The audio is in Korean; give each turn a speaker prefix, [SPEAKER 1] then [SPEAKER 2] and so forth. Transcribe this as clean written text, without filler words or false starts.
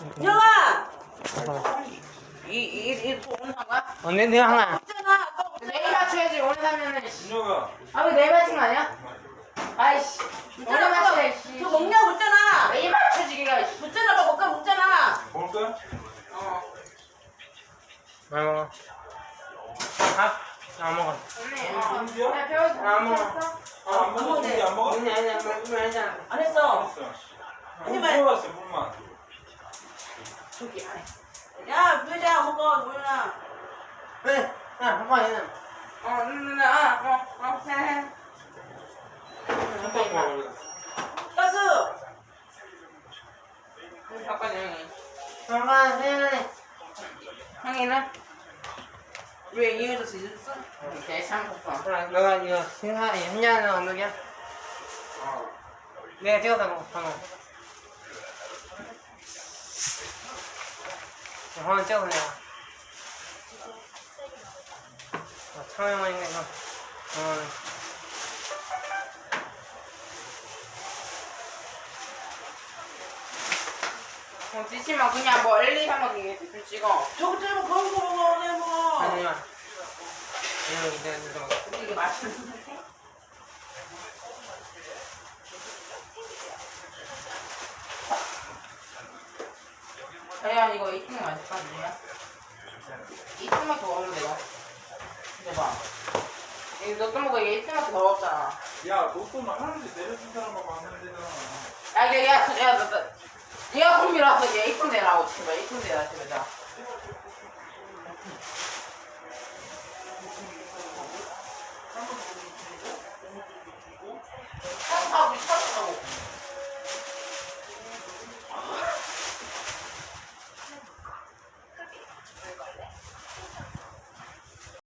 [SPEAKER 1] 영아! 이 오늘 한가?
[SPEAKER 2] 내가 한 거야.
[SPEAKER 1] 없잖아. 또
[SPEAKER 2] 내일 맞춰야지. 오늘 사면은.
[SPEAKER 3] 준혁아.
[SPEAKER 2] 아, 왜 내일 맞춘 거 아니야? 아이씨. 오늘
[SPEAKER 1] 묻잖아.
[SPEAKER 2] 맞춰야지.
[SPEAKER 1] 저 먹냐고 묻잖아.
[SPEAKER 2] 내일 맞춰지, 기가.
[SPEAKER 1] 묻잖아. 뭐 먹까 묻잖아.
[SPEAKER 3] 먹을 거야?
[SPEAKER 1] 어.
[SPEAKER 2] 안 먹어. 안 먹어.
[SPEAKER 3] 언니야?
[SPEAKER 2] 야, 배워. 안 먹어.
[SPEAKER 3] 안 먹어?
[SPEAKER 1] 먹네.
[SPEAKER 3] 안 먹어?
[SPEAKER 2] 아니, 아니야.
[SPEAKER 1] 안 했어.
[SPEAKER 3] 알았어.
[SPEAKER 1] 아니,
[SPEAKER 3] 물
[SPEAKER 1] 말-
[SPEAKER 3] 먹었어, 물만.
[SPEAKER 2] 저기, 아니.
[SPEAKER 1] 야, 부여자 먹어. 뭐야?
[SPEAKER 2] 왜? 야, 한번 해. 해.
[SPEAKER 1] 가스.
[SPEAKER 2] 아빠 형이. 잠깐, 해. 형이는?
[SPEAKER 1] 왜 이해해서 지졌어?
[SPEAKER 2] 내 삼겹살. 그래, 너가 이거 현장은 언덕이야? 내가 찍어서 먹어, 방금. 한번 찍어서 내가. 촬영하니까 이거. 찍지 마. 그냥 멀리 한번 대충 찍어.
[SPEAKER 1] 저거 째고 거기 먹어. 내 먹어.
[SPEAKER 2] 아니야. 이거
[SPEAKER 1] 이게 맛있는데?
[SPEAKER 2] 야, 이거 2층 맛있다, 누구야? 2층만 더 먹으면 돼요. 이거 봐. 이거 너또 먹어. 이게 1층만 더 먹었잖아.
[SPEAKER 3] 야, 너또 하는데 내려준 사람만 하면 되잖아.
[SPEAKER 2] 야, 야, 야, 야, 얘가 콤비라서 얘 1층 내라고, 제발. 1층 내라, 제발.